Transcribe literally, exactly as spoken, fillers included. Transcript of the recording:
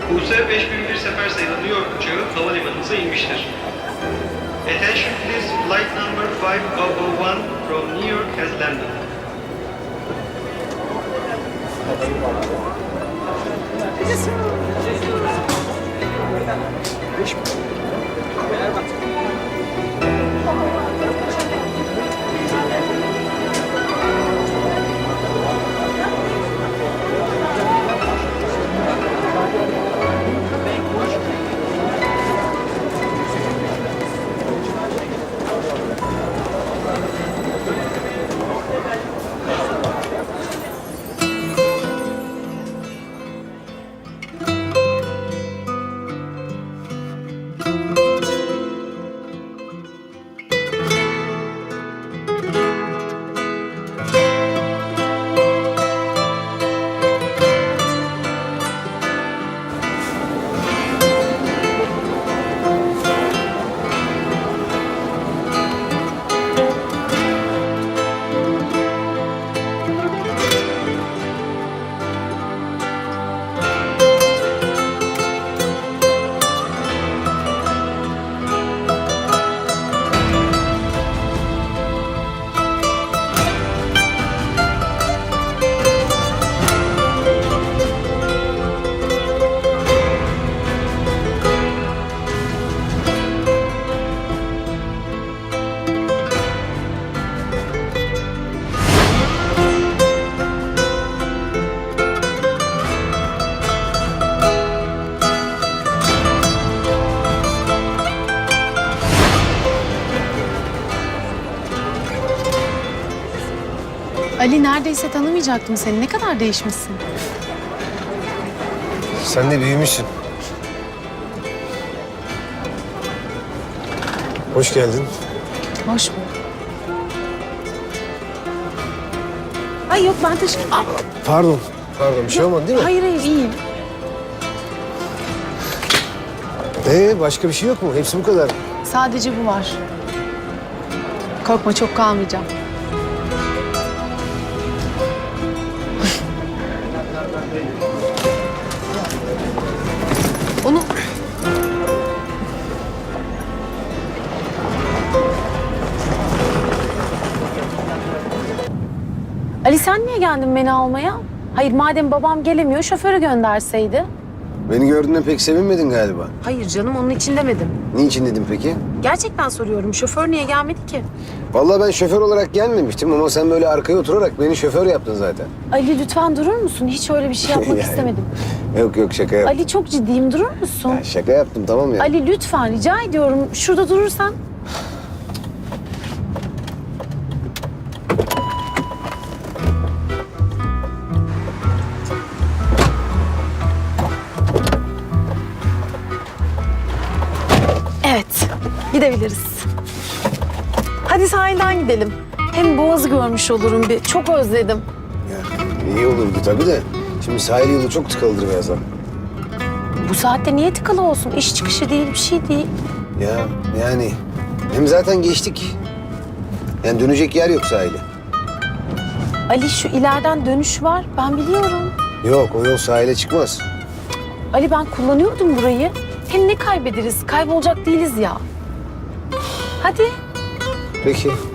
U S beş bin bir sefer sayılı New York uçağı havalimanınıza inmiştir. Attention please, flight number five thousand one from New York has landed. Ali, neredeyse tanımayacaktım seni. Ne kadar değişmişsin. Sen de büyümüşsün. Hoş geldin. Hoş bulduk. Ay yok, ben teşekkür... Aa, Pardon. Pardon, bir şey olmadı değil mi? hayır hayır, iyiyim. Ee, başka bir şey yok mu? Hepsi bu kadar. Sadece bu var. Korkma, çok kalmayacağım. Onu... Ali, sen niye geldin beni almaya? Hayır, madem babam gelemiyor, şoförü gönderseydi. Beni gördüğünden pek sevinmedin galiba. Hayır canım, onun için demedim. Niçin dedim peki? Gerçekten soruyorum, şoför niye gelmedi ki? Vallahi ben şoför olarak gelmemiştim ama sen böyle arkaya oturarak beni şoför yaptın zaten. Ali lütfen durur musun? Hiç öyle bir şey yapmak Yani. istemedim. Yok yok, şaka yaptım. Ali, çok ciddiyim, durur musun? Ya şaka yaptım, tamam ya. Ali lütfen, rica ediyorum. Şurada durursan. Evet, gidebiliriz. Hadi sahilden gidelim. Hem Boğaz'ı görmüş olurum bir. Çok özledim. Ya, iyi olurdu tabii de. Şimdi sahil yolu çok tıkalıdır birazdan. Bu saatte niye tıkalı olsun? İş çıkışı değil, bir şey değil. Ya yani hem zaten geçtik. Yani dönecek yer yok sahile. Ali, şu ileriden dönüş var. Ben biliyorum. Yok, o yol sahile çıkmaz. Ali, ben kullanıyordum burayı. Hem ne kaybederiz? Kaybolacak değiliz ya. Hadi. Peki.